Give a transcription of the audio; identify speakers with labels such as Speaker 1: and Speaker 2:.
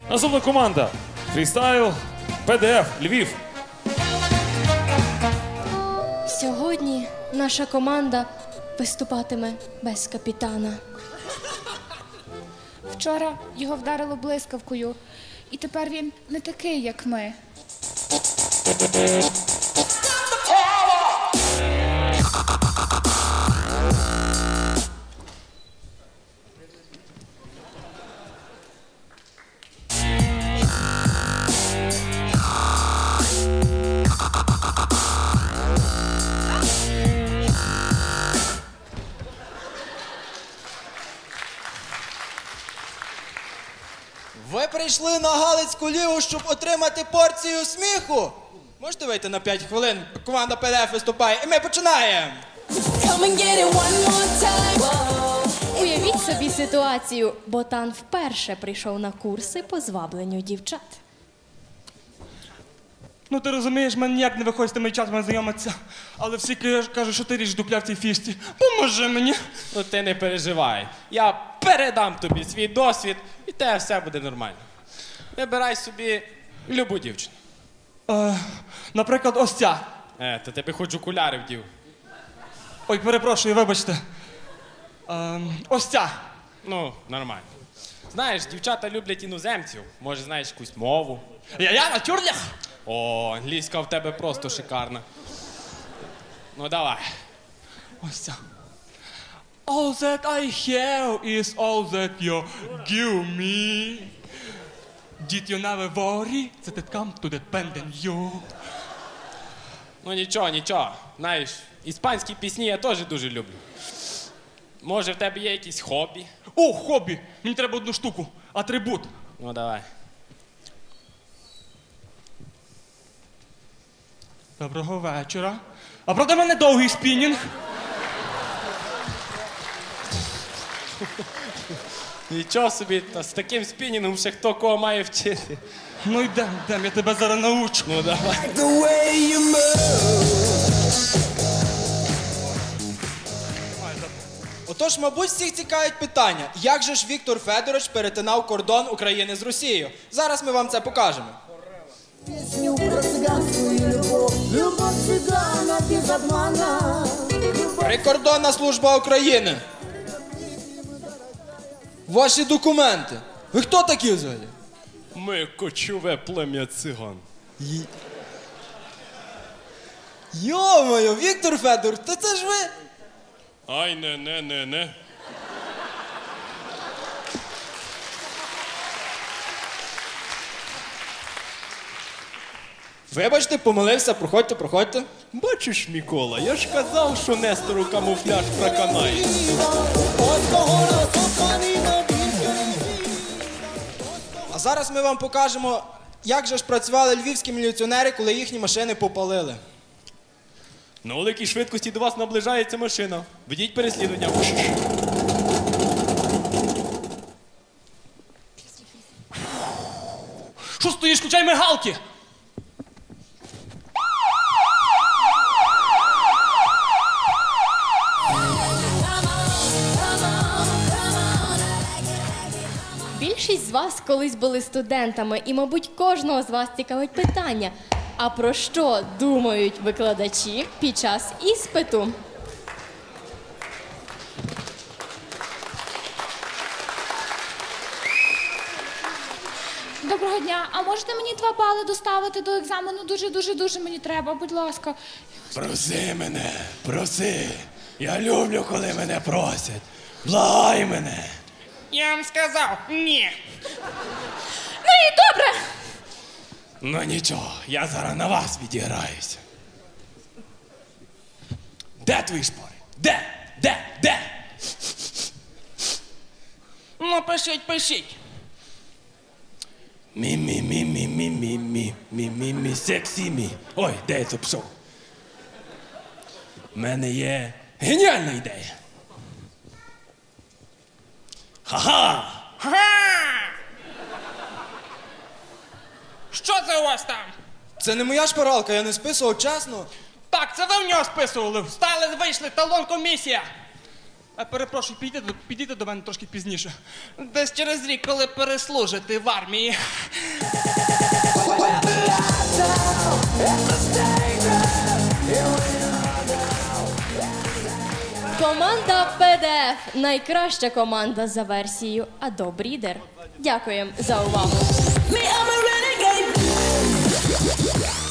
Speaker 1: Наступна команда. Фрістайл, ПДФ, Львів.
Speaker 2: Сьогодні наша команда виступатиме без капітана.
Speaker 3: Вчора його вдарило блискавкою, і тепер він не такий, як ми.
Speaker 4: Ви прийшли на Галицьку лігу, щоб отримати порцію сміху? Можете вийти на 5 хвилин? Команда ПДФ виступає, і ми починаємо!
Speaker 2: Уявіть собі ситуацію. Ботан вперше прийшов на курси по звабленню дівчат.
Speaker 5: Ну ти розумієш, мене ніяк не виходить з тими чатами знайомитися. Але всі кажуть, що ти річ дупля в цій фішці. Поможи мені.
Speaker 6: Ну ти не переживай. Я передам тобі свій досвід, і те все буде нормально. Вибирай собі любу дівчину.
Speaker 5: Наприклад, ось ця.
Speaker 6: То тебе хоч окуляри вдів.
Speaker 5: Ой, перепрошую, вибачте. Ось ця.
Speaker 6: Ну, нормально. Знаєш, дівчата люблять іноземців. Може, знаєш якусь мову.
Speaker 5: Я натюрлях.
Speaker 6: О, англійська в тебе просто шикарна. Ну, давай.
Speaker 5: Ось ця. All that I have is all that you give me. Did you never worry that it come to depend on you?
Speaker 6: Ну, нічого, нічого. Знаєш, іспанські пісні я теж дуже люблю. Може, в тебе є якісь хобі?
Speaker 5: О, хобі! Мені треба одну штуку. Атрибут.
Speaker 6: Ну, давай.
Speaker 5: Доброго вечора. А правда в мене довгий спінінг?
Speaker 6: Нічого собі, та з таким спінінгом ще хто кого має вчити.
Speaker 5: Ну йдем, я тебе зараз научу.
Speaker 6: Ну, давай.
Speaker 4: Отож, мабуть, всіх цікавить питання, як же ж Віктор Федорович перетинав кордон України з Росією? Зараз ми вам це покажемо.
Speaker 7: Песню про цыганскую любовь, любовь цыгана без обмана.
Speaker 4: Прикордонна служба України. Ваші документи. Ви хто такі взагалі?
Speaker 6: Ми кочове плем'я циган.
Speaker 4: Йо-моє, Віктор Федорович, та це ж ви?
Speaker 6: Ай, не.
Speaker 4: Вибачте, помилився, проходьте.
Speaker 6: Бачиш, Микола, я ж казав, що Нестору камуфляж проканає.
Speaker 4: А зараз ми вам покажемо, як же ж працювали львівські міліціонери, коли їхні машини попалили.
Speaker 6: На великій швидкості до вас наближається машина. Ведіть переслідування.
Speaker 5: Що стоїш, включай мигалки!
Speaker 2: Більшість з вас колись були студентами, і, мабуть, кожного з вас цікавить питання. А про що думають викладачі під час іспиту?
Speaker 3: Доброго дня, а можете мені 2 бали доставити до екзамену? Дуже мені треба, будь ласка.
Speaker 6: Проси мене, проси. Я люблю, коли мене просять. Благай мене.
Speaker 5: Я вам сказав, ні.
Speaker 3: Ну і добре.
Speaker 6: Ну нічого, я зараз на вас відіграюся. Де твої шпори? Де?
Speaker 5: Ну, пишіть.
Speaker 6: Мі, сексі мі. Ой, де я це пішов? У мене є геніальна ідея. Ха-ха!
Speaker 5: Що це у вас там?
Speaker 4: Це не моя шпаргалка, я не списував, чесно.
Speaker 5: Так, це ви в нього списували. Встали, вийшли, талон комісія. Перепрошую, підійте до мене трошки пізніше. Десь через рік, коли переслужите в армії.
Speaker 2: Команда ПДФ – найкраща команда за версією Adobe Reader. Дякуємо за увагу.
Speaker 7: Me, I'm a renegade.